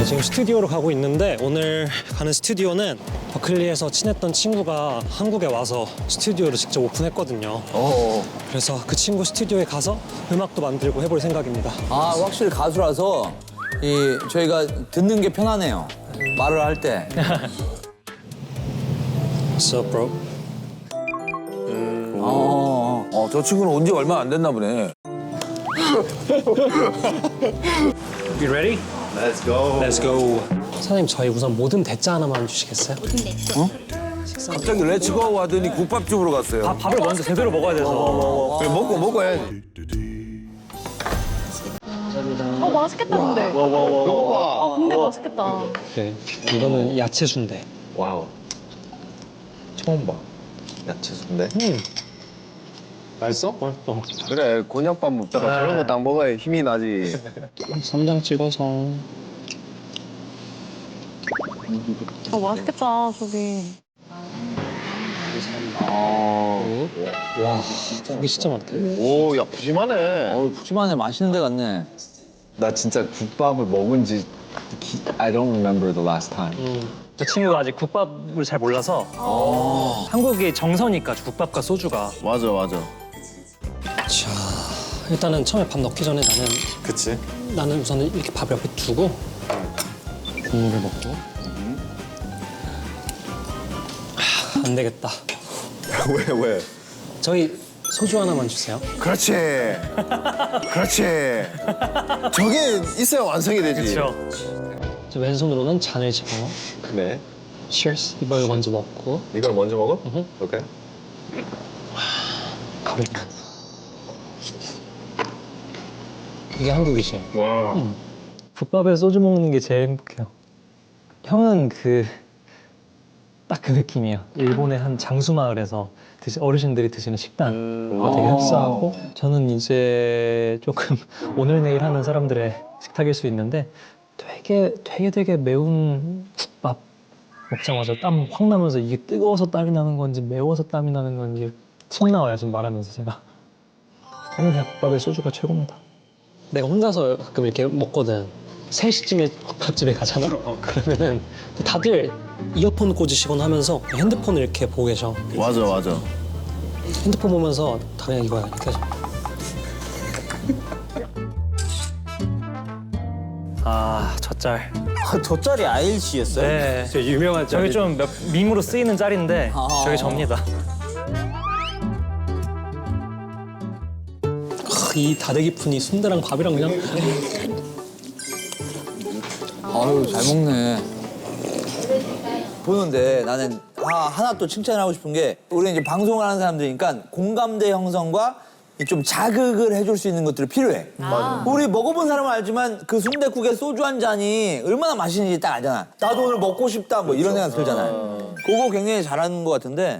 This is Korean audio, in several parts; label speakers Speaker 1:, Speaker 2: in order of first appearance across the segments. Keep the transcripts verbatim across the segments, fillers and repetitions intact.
Speaker 1: 지금 스튜디오로 가고 있는데 오늘 가는 스튜디오는 버클리에서 친했던 친구가 한국에 와서 스튜디오를 직접 오픈했거든요.
Speaker 2: 어.
Speaker 1: 그래서 그 친구 스튜디오에 가서 음악도 만들고 해볼 생각입니다.
Speaker 2: 아, 확실히 가수라서 이 저희가 듣는 게 편하네요. 말을 할 때.
Speaker 1: What's up, bro?
Speaker 2: 어, 어, 저 친구는 온 지 얼마 안 됐나 보네.
Speaker 1: You ready?
Speaker 3: Let's go.
Speaker 1: Let's go. 사장님, 저희 우선 모듬 대짜 하나만 주시겠어요?
Speaker 2: 갑자기 렛츠고 하더니 국밥집으로 갔어요.
Speaker 1: 아, 밥을 먼저 제대로 먹어야 돼서.
Speaker 2: 그래, 먹고 먹고 해야지.
Speaker 4: 어 맛있겠다 근데. 아 근데 맛있겠다.
Speaker 1: 네, 이거는 야채 순대.
Speaker 3: 와우. 처음 봐. 야채 순대.
Speaker 1: 음.
Speaker 3: 맛있어?
Speaker 1: 맛있어.
Speaker 3: 그래, 곤약밥 먹다가 저런 거 딱 먹어야 힘이 나지.
Speaker 1: 쌈장 찍어서.
Speaker 4: 어 맛있겠다 저기.
Speaker 3: 아.
Speaker 1: 와, 고기 진짜 많다.
Speaker 3: 오, 야, 푸짐하네.
Speaker 2: 어우, 푸짐하네. 맛있는 데 갔네.
Speaker 3: 나 진짜 국밥을 먹은 지 I don't remember the last time.
Speaker 1: 저 친구가 아직 국밥을 잘 몰라서 한국이 정서니까 국밥과 소주가.
Speaker 3: 맞아, 맞아.
Speaker 1: 자, 일단은 처음에 밥 넣기 전에 나는
Speaker 3: 그치?
Speaker 1: 나는 우선은 이렇게 밥 옆에 두고 국물을 먹고. 하, 안 되겠다.
Speaker 3: 왜, 왜?
Speaker 1: 저희 소주 하나만 주세요.
Speaker 3: 그렇지. 그렇지. 저게 있어야 완성이 되지.
Speaker 1: 저 왼손으로는 잔을 집어.
Speaker 3: 네.
Speaker 1: Cheers. 이걸 먼저 먹고.
Speaker 3: 이걸 먼저 먹어?
Speaker 1: 으흠.
Speaker 3: 오케이.
Speaker 1: 가루. 이게 한국이지.
Speaker 3: 와.
Speaker 1: 음. 국밥에 소주 먹는 게 제일 행복해요. 형은 그 딱 그 느낌이에요. 일본의 한 장수 마을에서 드시, 어르신들이 드시는 식단
Speaker 3: 음.
Speaker 1: 되게 흡사하고, 저는 이제 조금 오늘 내일 하는 사람들의 식탁일 수 있는데 되게 되게 되게 매운 국밥 먹자마자 땀 확 나면서 이게 뜨거워서 땀이 나는 건지 매워서 땀이 나는 건지 침 나와요, 지금 말하면서 제가. 저는 국밥에 소주가 최고입니다. 내가 혼자서 가끔 이렇게 먹거든. 세 시쯤에 국밥집에 가잖아. 그러면은 다들 이어폰 꽂으시거나 하면서 핸드폰을 이렇게 보고 계셔.
Speaker 3: 맞아, 맞아.
Speaker 1: 핸드폰 보면서 다 그냥 이거야, 이렇게 해서. 아, 저 짤.
Speaker 2: 아, 저 짤이 아이엘씨였어요?
Speaker 1: 네, 저 유명한 짤. 저게 좀 몇, 밈으로 쓰이는 짤인데
Speaker 2: 아.
Speaker 1: 저게 접니다. 이 다대기 푼이 순대랑 밥이랑 그냥.
Speaker 2: 아유, 잘 먹네. 보는데 나는 아, 하나 또 칭찬하고 싶은 게, 우리 이제 방송을 하는 사람들이니까 공감대 형성과 좀 자극을 해줄 수 있는 것들이 필요해.
Speaker 4: 아.
Speaker 2: 우리 먹어본 사람은 알지만 그 순댓국에 소주 한 잔이 얼마나 맛있는지 딱 알잖아. 나도 오늘 먹고 싶다 뭐 이런 생각 들잖아요. 그거 굉장히 잘하는 것 같은데.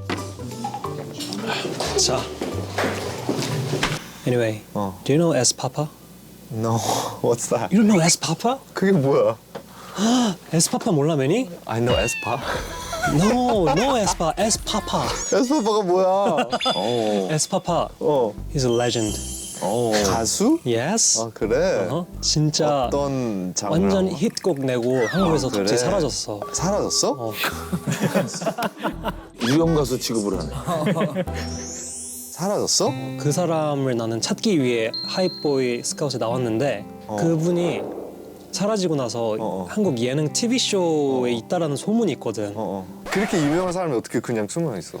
Speaker 1: 자. Anyway,
Speaker 3: 어.
Speaker 1: do you know S Papa?
Speaker 3: No, what's that?
Speaker 1: You don't know S Papa?
Speaker 3: 그게 뭐야?
Speaker 1: S Papa 몰라, 매니?
Speaker 3: I know 에스파.
Speaker 1: No, no S Papa, S Papa.
Speaker 3: 에스파가 뭐야? 어.
Speaker 1: S Papa,
Speaker 3: 어.
Speaker 1: he's a legend.
Speaker 3: 어. 가수?
Speaker 1: Yes.
Speaker 3: 아, 그래?
Speaker 1: 어? 진짜
Speaker 3: 어떤 장르?
Speaker 1: 완전 히트곡 내고 한국에서
Speaker 3: 아, 그래?
Speaker 1: 갑자기 사라졌어.
Speaker 3: 사라졌어?
Speaker 1: 어.
Speaker 2: 유형 가수 취급을 하네.
Speaker 3: 사라졌어?
Speaker 1: 그 사람을 나는 찾기 위해 하이보이 스카웃에 나왔는데
Speaker 3: 어.
Speaker 1: 그분이 사라지고 나서
Speaker 3: 어.
Speaker 1: 한국 예능 티비쇼에 있다라는 소문이 있거든.
Speaker 3: 어, 어. 그렇게 유명한 사람이 어떻게 그냥 숨어 있어?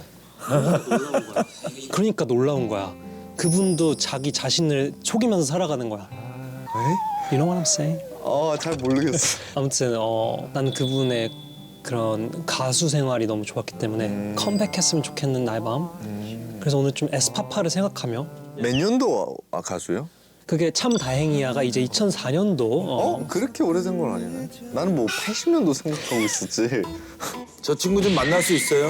Speaker 1: 그러니까 놀라운 거야. 그분도 자기 자신을 속이면서 살아가는 거야.
Speaker 3: 에?
Speaker 1: You know what I'm saying?
Speaker 3: 어, 잘 모르겠어.
Speaker 1: 아무튼 어, 난 그분의 그런 가수 생활이 너무 좋았기 때문에
Speaker 3: 음.
Speaker 1: 컴백했으면 좋겠는 나의 마음. 그래서 오늘 좀 에스파파를 생각하며,
Speaker 3: 몇 년도 아, 가수예요?
Speaker 1: 그게 참 다행이야가 이제 이천사 년도. 어,
Speaker 3: 어? 그렇게 오래된 건 아니네. 나는 뭐 팔십 년도 생각하고 있었지.
Speaker 2: 저 친구 좀 만날 수 있어요?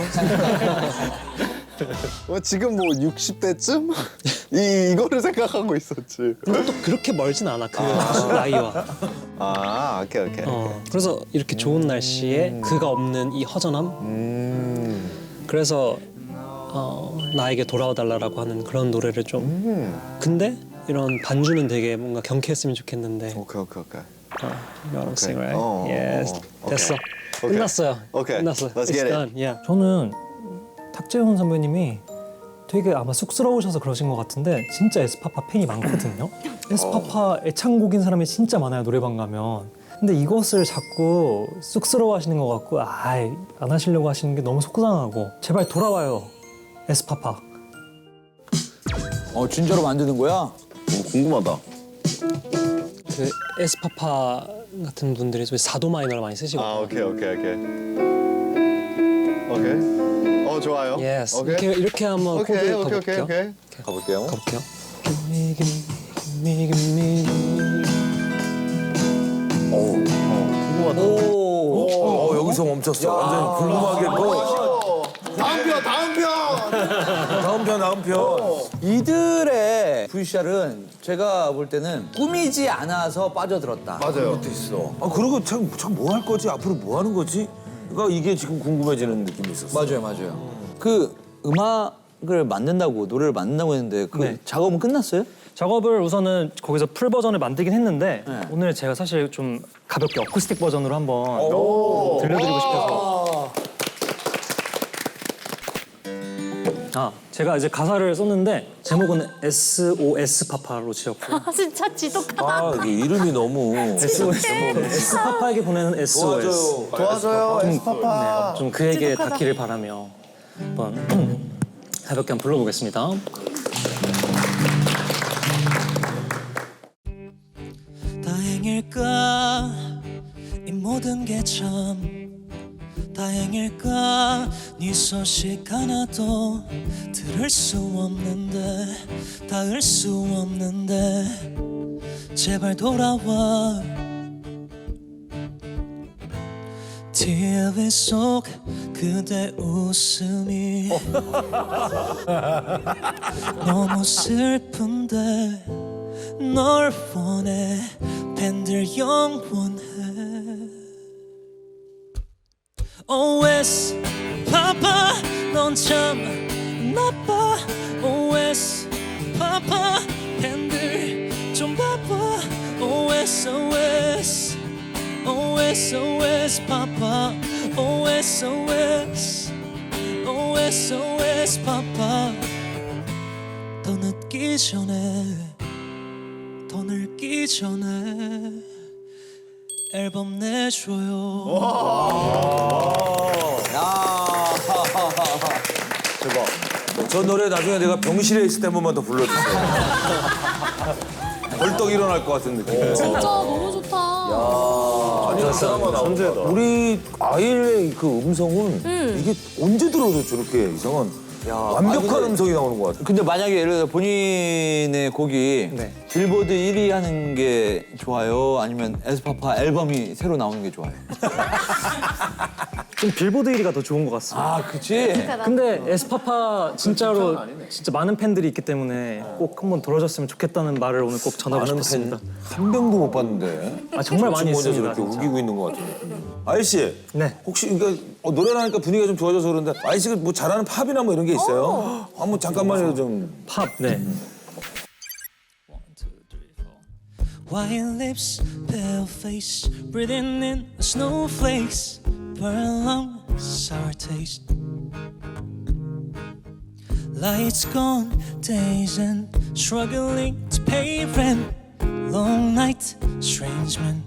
Speaker 3: 뭐 지금 뭐 육십 대쯤? 이, 이거를 생각하고 있었지.
Speaker 1: 근데 또 그렇게 멀진 않아, 그 가수 나이와.
Speaker 3: 아, 오케이, 오케이.
Speaker 1: 어, 그래서 이렇게 좋은 날씨에 그가 없는 이 허전함.
Speaker 3: 음.
Speaker 1: 그래서 어, 나에게 돌아와달라고 하는 그런 노래를 좀.
Speaker 3: 음.
Speaker 1: 근데 이런 반주는 되게 뭔가 경쾌했으면 좋겠는데.
Speaker 3: 오케이 오케이 오케이.
Speaker 1: 어, you know what I'm saying, right?
Speaker 3: 어,
Speaker 1: yes.
Speaker 3: 어, 어.
Speaker 1: 됐어.
Speaker 3: 오케이.
Speaker 1: 끝났어요.
Speaker 3: 오케이.
Speaker 1: 끝났어.
Speaker 3: Let's
Speaker 1: It's
Speaker 3: get it.
Speaker 1: done. Yeah. 저는 탁재훈 선배님이 되게 아마 쑥스러우셔서 그러신 것 같은데 진짜 에스파파 팬이 많거든요. 에스파파 애창곡인 사람이 진짜 많아요, 노래방 가면. 근데 이것을 자꾸 쑥스러워하시는 것 같고 아이 안 하시려고 하시는 게 너무 속상하고 제발 돌아와요, 에스파파.
Speaker 2: 어 진짜로 만드는 거야?
Speaker 3: 오, 궁금하다.
Speaker 1: 그 에스파파 같은 분들이 사도 마이너를 많이 쓰시거든요.
Speaker 3: 아 오케이 오케이 오케이. 오케이. 어 좋아요.
Speaker 1: Yes.
Speaker 3: 오케이.
Speaker 1: 이렇게 이렇게 한번 코드
Speaker 3: 오케이 오케이 오케이
Speaker 1: 가볼게요.
Speaker 3: 오케이. 가볼게요.
Speaker 1: 가볼게요. Give me, give me, give me, give me.
Speaker 3: 오, 어, 궁금하다.
Speaker 2: 오.
Speaker 5: 어, 여기서 멈췄어. 완전 궁금하게 뭐.
Speaker 3: 다음 편 다음 편.
Speaker 5: 다음 편, 다음 편.
Speaker 2: 이들의 브이씨알은 제가 볼 때는 꾸미지 않아서 빠져들었다.
Speaker 3: 맞아요.
Speaker 5: 있어. 아, 그리고 참, 참 뭐 할 거지? 앞으로 뭐 하는 거지? 그러니까 이게 지금 궁금해지는 느낌이 있었어.
Speaker 2: 맞아요, 맞아요. 그 음악을 만든다고 노래를 만든다고 했는데 그
Speaker 1: 네.
Speaker 2: 작업은 끝났어요?
Speaker 1: 작업을 우선은 거기서 풀 버전을 만들긴 했는데
Speaker 2: 네.
Speaker 1: 오늘 제가 사실 좀 가볍게 어쿠스틱 버전으로 한번 들려드리고 싶어서. 아, 제가 이제 가사를 썼는데 제목은 에스오에스 파파로 지었고
Speaker 4: 아, 진짜 지독하다.
Speaker 5: 아, 이게 이름이 너무.
Speaker 1: 에스오에스 에스 파파에게 보내는 에스오에스.
Speaker 3: 도와줘요 에스파파.
Speaker 1: 좀 그에게
Speaker 4: 지독하다.
Speaker 1: 닿기를 바라며 한번 가볍게 한번 불러보겠습니다. 다행일까 이 모든 게 참 다행일까 네 소식 하나도 들을 수 없는데 닿을 수 없는데 제발 돌아와 티비 속 그대 웃음이 너무 슬픈데 널 원해 팬들 영원해 오에스 파파 넌 참 나빠 오에스 파파 팬들 좀 바빠 오에스 오에스 오에스 오에스 파파 오에스 오에스 오에스 오에스 파파 더 늦기 전에 더 늙기 전에 앨범 내줘요.
Speaker 2: 야.
Speaker 5: 대박. 저 노래 나중에 내가 병실에 있을 때 한 번만 더 불러주세요. 벌떡 일어날 것 같은 느낌.
Speaker 4: 진짜 너무 좋다.
Speaker 5: 우리 아이의 그 음성은 이게 언제 들어도 저렇게 이상한 완벽한 음성이 나오는 것 같아.
Speaker 2: 근데 만약에 예를 들어 본인의 곡이
Speaker 1: 네.
Speaker 2: 빌보드 일 위 하는 게 좋아요? 아니면 에스파파 앨범이 새로 나오는 게 좋아요?
Speaker 1: 좀 빌보드 일 위가 더 좋은 것 같습니다.
Speaker 2: 아, 그치?
Speaker 1: 근데 에스파파 진짜로 진짜 많은 팬들이 있기 때문에 꼭 한번 들어줬으면 좋겠다는 말을 오늘 꼭 전하고
Speaker 5: 많은
Speaker 1: 싶었습니다.
Speaker 5: 팬 한 명도 못 봤는데.
Speaker 1: 아 정말 많이
Speaker 5: 지금 혼자
Speaker 1: 있습니다.
Speaker 5: 저렇게
Speaker 1: 진짜.
Speaker 5: 우기고 있는 것 같은 느낌. 아이 씨.
Speaker 1: 네.
Speaker 5: 혹시 그러니까 어, 노래를 하니까 분위기가 좀 좋아져서 그런데 아이 씨가 뭐 잘하는 팝이나 뭐 이런 게 있어요? 한번 잠깐만요 좀.
Speaker 1: 팝. 네. White lips, pale face, breathing in the snowflakes, burn lungs, sour taste. Lights gone, days and struggling to pay rent. Long night, strange men.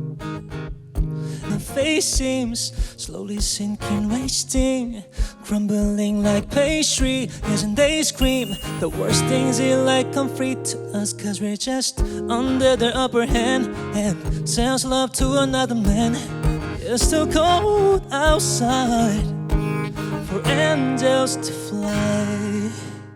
Speaker 1: The face seems slowly sinking, wasting, crumbling like pastry. Years and they scream the worst things in life come free to us, cause we're just under their upper hand and sells love to another man. It's too cold outside for angels to fly.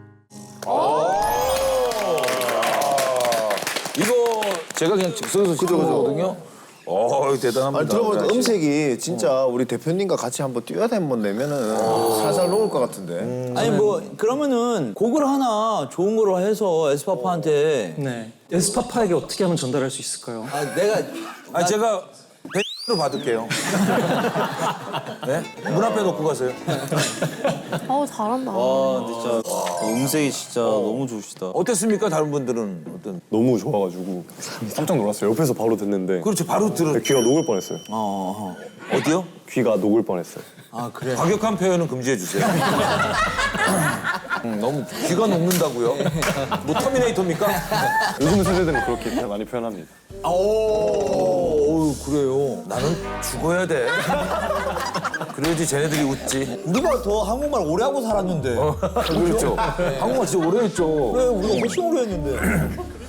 Speaker 5: 이거 제가 그냥 즉석에서 시도해거든요. 어 대단합니다.
Speaker 3: 아니 들어보니까
Speaker 5: 아저씨.
Speaker 3: 음색이 진짜 우리 대표님과 같이 한번 듀엣 한번 내면은 살살 녹을 것 같은데.
Speaker 2: 아니 뭐 그러면은 곡을 하나 좋은 거로 해서 에스파파한테
Speaker 1: 네. 에스파파에게 어떻게 하면 전달할 수 있을까요?
Speaker 2: 아, 내가
Speaker 5: 아니 제가 로 받을게요. 네? 문 앞에 놓고 가세요.
Speaker 4: 어우, 잘한다.
Speaker 2: 어, 진짜 음색이 진짜 너무 좋으시다. 어땠습니까? 다른 분들은 어떤?
Speaker 6: 너무 좋아가지고 깜짝 놀랐어요. 옆에서 바로 듣는데
Speaker 2: 그렇지, 바로 들었.
Speaker 6: 귀가 녹을 뻔했어요.
Speaker 2: 어, 어. 어디요?
Speaker 6: 귀가 녹을 뻔했어요.
Speaker 2: 아 그래. 과격한 표현은 금지해 주세요. 음, 너무 귀가 녹는다고요? 뭐 터미네이터입니까?
Speaker 6: 요즘 세대들은 그렇게 많이 표현합니다.
Speaker 2: 오, 그래요. 나는 죽어야 돼. 그래야지 쟤네들이 웃지. 우리가 더 한국말 오래 하고 살았는데. 그렇죠. 한국말 진짜 오래 했죠. 그래, 우리가 훨씬 오래 했는데.